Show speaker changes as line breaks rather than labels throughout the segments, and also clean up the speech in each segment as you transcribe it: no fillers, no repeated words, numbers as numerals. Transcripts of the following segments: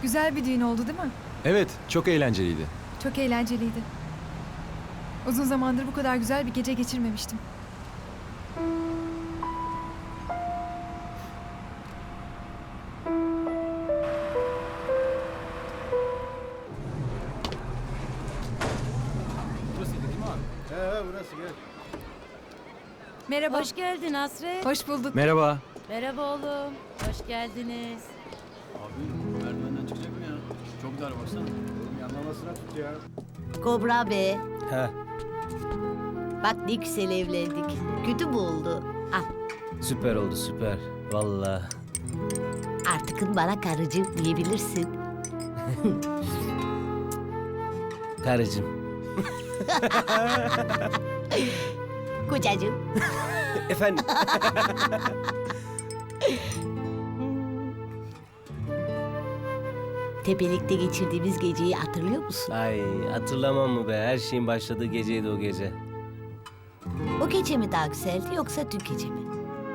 Güzel bir düğün oldu değil mi?
Evet, çok eğlenceliydi.
Çok eğlenceliydi. Uzun zamandır bu kadar güzel bir gece geçirmemiştim.
Burası gel.
Merhaba.
Hoş geldin Hasret.
Hoş bulduk.
Merhaba.
Merhaba oğlum. Hoş geldiniz.
Abi merdivenden çıkacak mı ya? Çok dar baksana. Oğlum yanlamasına tut ya.
Kobra be.
Ha,
Bak ne güzel evlendik. Kötü mü oldu? Al
süper oldu süper. Vallahi.
artık bana karıcığım diyebilirsin.
Karıcığım.
Kocacığım.
Efendim.
Tepelikte geçirdiğimiz geceyi hatırlıyor musun?
Ay hatırlamam mı be? Her şeyin başladığı geceydi o gece.
O gece mi daha güzeldi yoksa dün gece mi?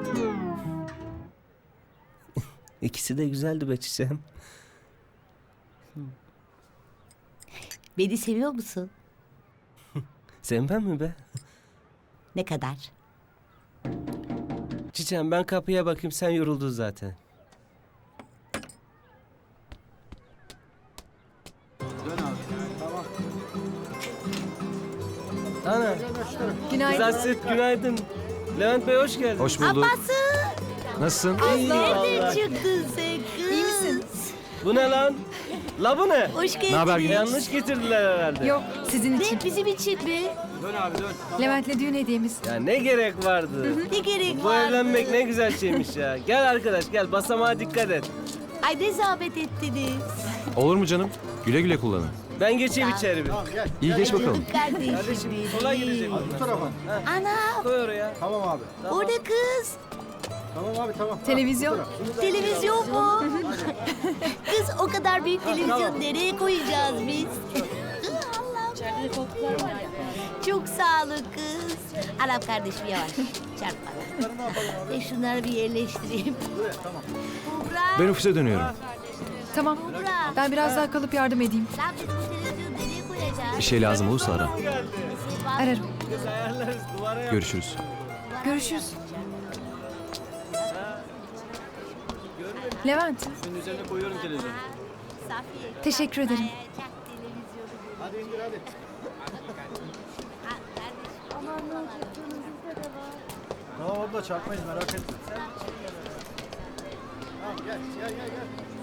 İkisi de güzeldi be çiçeğim.
Beni seviyor musun?
Sevmem mi be?
Ne kadar?
Çiçeğim ben kapıya bakayım, sen yoruldun zaten.
Dön abi. Tamam.
Ana,
Günaydın.
kız Hasret günaydın. Levent Bey hoş geldin.
Hoş bulduk.
Abbası!
Nasılsın?
Nereden
vallahi.
çıktın sen kız?
İyi misin?
Bu ne lan? La bu ne?
Hoş geldin.
Naber Gülüm?
Yanlış getirdiler herhalde.
Yok, sizin için.
Ne bizim için mi?
Dön abi dön.
Levent'le düğün hediyemiz.
Ya ne gerek vardı?
Ne gerek
Bu
vardı?
evlenmek ne güzel şeymiş ya. Gel arkadaş gel, basamağa dikkat et.
Ay ne zahmet ettiniz.
Olur mu canım? Güle güle kullanın.
Ben geçeyim içeri bir.
Tamam gel.
İyi geç bakalım.
Kardeşim
Kardeşim
benim.
sola gidecek.
Abi bu tarafa.
Ana
Koy oraya.
Tamam abi.
o ne kız?
Tamam abi tamam.
Televizyon.
Televizyon mu? Kız o kadar büyük televizyon nereye koyacağız biz? Allah'ım. Çok sağ olun kız. Anam kardeşim yavaş. Çarpma. Şunları bir yerleştireyim. Kubra.
Ben ofise dönüyorum.
Tamam.
Kubra.
Ben biraz daha kalıp yardım edeyim.
Lan biz bu televizyonu nereye koyacağız?
Bir şey lazım olursa ara.
Ararım.
Kız ayarlarız duvara yap.
Görüşürüz.
Görüşürüz. Levent,
Şunun üzerine koyuyorum televizyonu.
Safiye.
teşekkür ederim.
Çak televizyonu.
Hadi indir hadi.
Ha, kardeşim.
Tamam abla çarpmayız merak etme. Tamam gel gel gel gel.